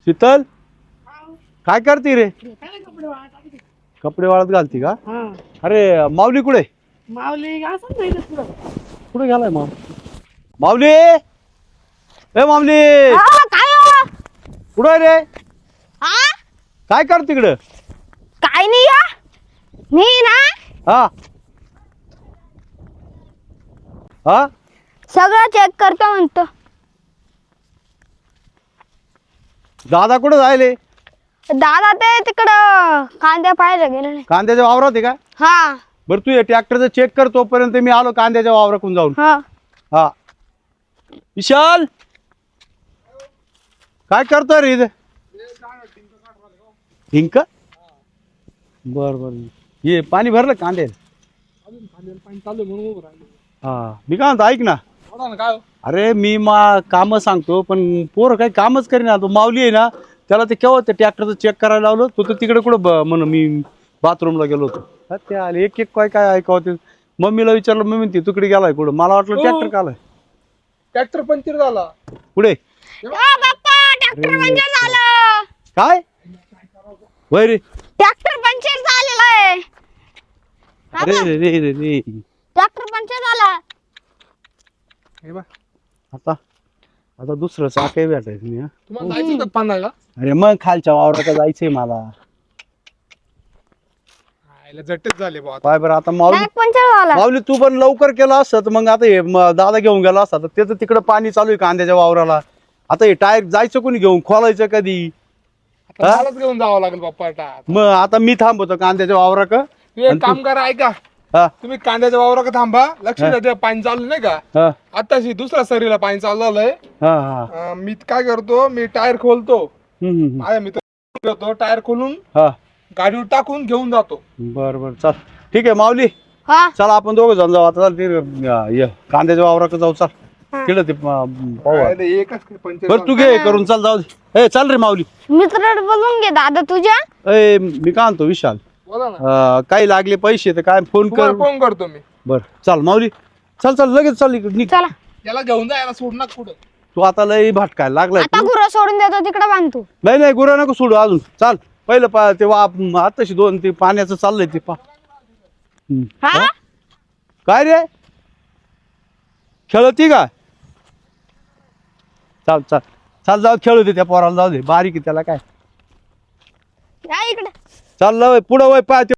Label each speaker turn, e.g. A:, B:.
A: शीतल काय करते रे? कपडे वाळत घालती का? अरे माऊली कुठे?
B: माऊली असं नाही का तुला?
A: कुठे गेलाय माऊली? ए माऊली
C: काय हो?
A: कुठे रे?
C: हा?
A: काय कर तिकडं?
C: काय नाही या मी ना
A: हा हा
C: सगळं चेक करतो म्हणतो.
A: दादा कुठे जायले?
C: दादा ते तिकडं कांद्या पाहायला गेले नाही.
A: कांद्याच्या वावरात आहे का?
C: हा
A: बरं तू ट्रॅक्टरचं चेक कर, तोपर्यंत मी आलो कांद्याच्या वावरातून जाऊन.
C: हा
A: हा विशाल काय करतोय रे इथे? हिंक बर बर ये पाणी भरलं कांदे? हा मी काय म्हणतो ऐक ना, अरे मी काम सांगतो पण पोरं काही कामच करेना. तो माऊली आहे ना, त्याला ते केव्हा ते ट्रॅक्टरचं चेक करायला लावलं. तो तर तिकडे कुठं म्हण मी बाथरूमला गेलो होतो. ते आले एक एक काय काय ऐकावं. ते मम्मीला विचारलं, मम्मी म्हणते तिकडे गेलाय कुठं. मला वाटलं ट्रॅक्टर कालाय.
B: ट्रॅक्टर पंक्चर झाला.
A: पुढे
C: बाप्पा ट्रॅक्टर पंक्चर झालं.
A: काय वय रे?
C: ट्रॅक्टर पंक्चर झालेलं आहे.
A: अरे रे रे रे रे
C: ट्रॅक्टर पंक्चर झाला.
B: हे बा
A: आता आता दुसरं चाकही भेटायचं नाही.
B: तुम्हाला जायचं होतं पानाला?
A: अरे मग खालच्या वावरात जायचंय मला.
B: झटच झाले बा.
A: पाय बरं आता माऊली
C: ट्रॅक पंक्चर झाला.
A: माऊली तू पण लवकर केला असत मग आता हे दादा घेऊन गेला असता. त्याचं तिकडं पाणी चालू आहे कांद्याच्या वावराला. आता हे टायर जायचं कोणी घेऊन, खोलायचं कधी?
B: मलाच घेऊन जावं लागेल बाप्पा.
A: मग आता मी थांबवतो कांद्याच्या वावरा का?
B: एक काम करा, ऐका
A: हा
B: तुम्ही कांद्याच्या वावरात थांबा. लक्ष द्या, ते पाणी चालू नाही का
A: हा
B: आताशी दुसऱ्या सरीला पाणी चालू झालंय.
A: हा हा
B: मी काय करतो, मी टायर खोलतो.
A: हम्म.
B: माझ्या मित्र होतो, टायर खोलून
A: हा
B: गाडीवर टाकून घेऊन जातो.
A: बर बर चल ठीक आहे माऊली.
C: हा
A: चला आपण दोघं जण जाऊ आता. चल ते कांद्याच्या वावराकडे जाऊ. चल तिकडं ते पाहू.
B: अरे एकच पंक्चर
A: बरं तू घे करून चल जाऊ दे. ए चल रे माऊली.
C: मित्र बोलून घे दादा तुझ्या.
A: ए मी काय म्हणतो विशाल,
B: बोला ना.
A: काही लागले पैसे तर काय फोन कर.
B: फोन करतो मी.
A: बर चल माऊली, चल चल लगेच चल इकडे निघ.
C: चला
B: याला घेऊन जा, याला सोड ना कुठं.
A: तू आता लय भटकायला लागलाय
C: आता
A: तू.
C: गुरं सोडून देतो तिकडे बांधतो.
A: नाही नाही गुरा नको सोडू अजून. चाल पहिलं ते आताशी दोन ते पाण्याचं चाललंय ते
C: हा
A: काय रे खेळती का? चाल चाल चाल जाऊ खेळू दे त्या पोराला, जाऊ दे बारीक आहे त्याला काय.
C: या इकडे.
A: चाल पुढं वय पाय